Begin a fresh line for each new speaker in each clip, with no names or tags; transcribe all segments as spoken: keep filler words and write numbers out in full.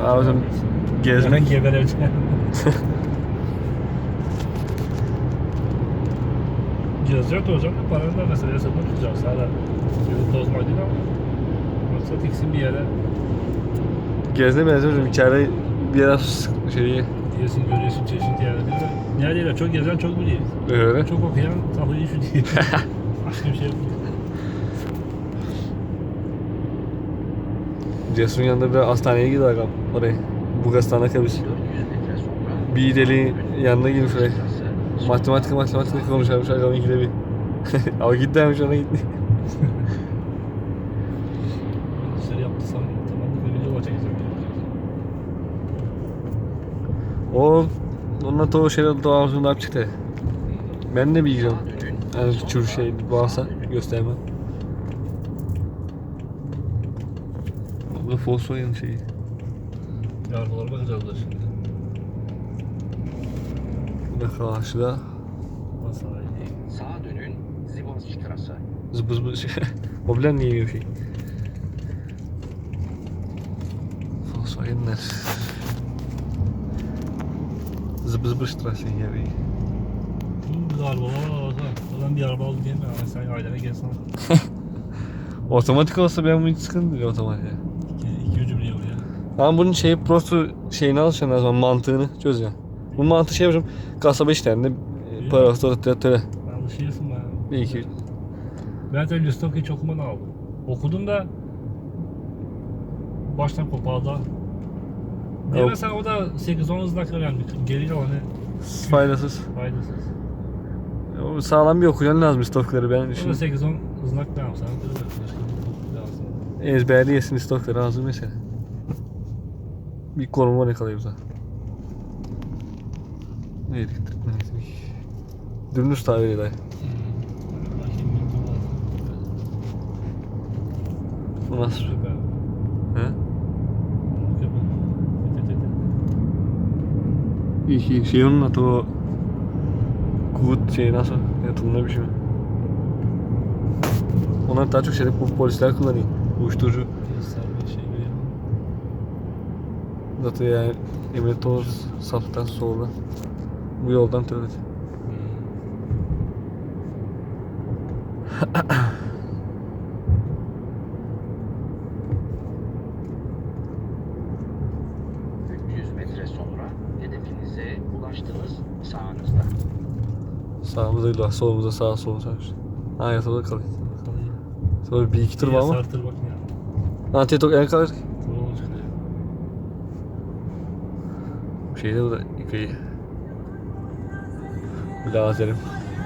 Abicim gezmek
gebereceğim. Gezecek de hocam da paranı da mesela hesabını tutacağım. Sana yolu tozmak değil ama maksat ikisini bir yere
gezmeye benziyorum. İçeride biraz şeyi
diyesin, görüyorsun çeşitli yerlerde. Neredeyse çok gezen çok biliyor.
öyle.
Çok okuyan kafayı şu diye. Başka bir şey yok.
Cesur'un yanında bir hastaneye gidiyor agam oraya. Bulgaristan'da kalmış. Bir deli yanına girmiş oraya. Matematik matematik konuşarmış agam ikide bir. Ama gitti demiş ona gitti.
Dışarı yaptıysam tamamlık bir video çekeceğim.
O onunla da o şeyler doğasında hep çıktı. Ben de bileceğim. Yani çür şey varsa göstermem. Bu da Volkswagen şeyi.
Arabalara bakacağız da şimdi.
Bu da karşıda.
Nasıl iyi?
Sağa dönün, Zibonstrasse.
Zıbı zıbı şey. O bilen niye bir şey. Volkswagenler. Zıbı zıbı strasse gibi.
Bu arabalar var. Ben bir araba aldım diyeyim mi? Ama sen ailene gelsen.
Otomatik olsa ben bu hiç sıkıntı değil otomatik.
İki, iki ucu biliyor ya.
Ama bunun şeyi prosto şeyini alacaksın o zaman mantığını çözeceksin. Bu mantığı şey yapacağım. Kasaba işlerinde para otoritleri.
Alışıyorsun bana.
Bir iki.
Ben de Lüstok'u hiç okumadan aldım. Okudum da baştan kopardı. Diye
Yok.
mesela o da sekiz on hızla önemli. Geri kalanı
Faydasız.
faydasız.
O sağlam bir okuyan lazım stokları ben
O da
düşünüyorum.
sekiz on hızlak ne yapsam? Lazım.
Ezberleyesin stokları lazım mesela. Bir konuma ne kalıyor da. Neydi? Neydi? Dümdüz tabiri dayı. Bu nasıl? He? İyi ki şey onun adı o Kuvut şey nasıl? Yatımda bir şey mi? Onlar daha çok şeyde bu polisler kullanıyor. Uyuşturucu. Zaten yani emniyet olur saftan sonra. Bu yoldan tövbe.
üç yüz metre sonra hedefinize ulaştınız sağınızda.
Sağımıza değil, solumuza sağa sola çarşı. Ha yatıda kalıyor. Sonra bir iki tur var ama.
Sartır bak ya.
Ha tetok en kalır.
Ne olacak ya?
Bu şeyde bu da yıkayı. Lazerim.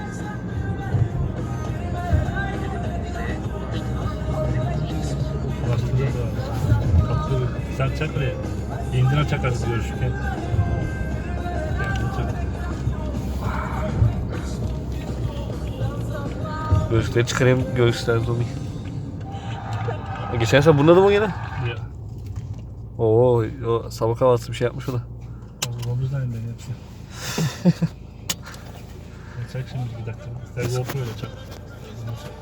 Ulaştırıyor da. Kaptı. Sen çak oraya. İndira çakarsın görüşürken. Kendini çak.
Gözlükleri çıkarayım, göğüsler zomi. Geçen sene bunda da mı gene?
Ya.
Oo, o sabah kahvaltısı bir şey yapmış o da.
O omuzdan indi hepsi. Çak şimdi bir dakika. Sen GoPro ile çak.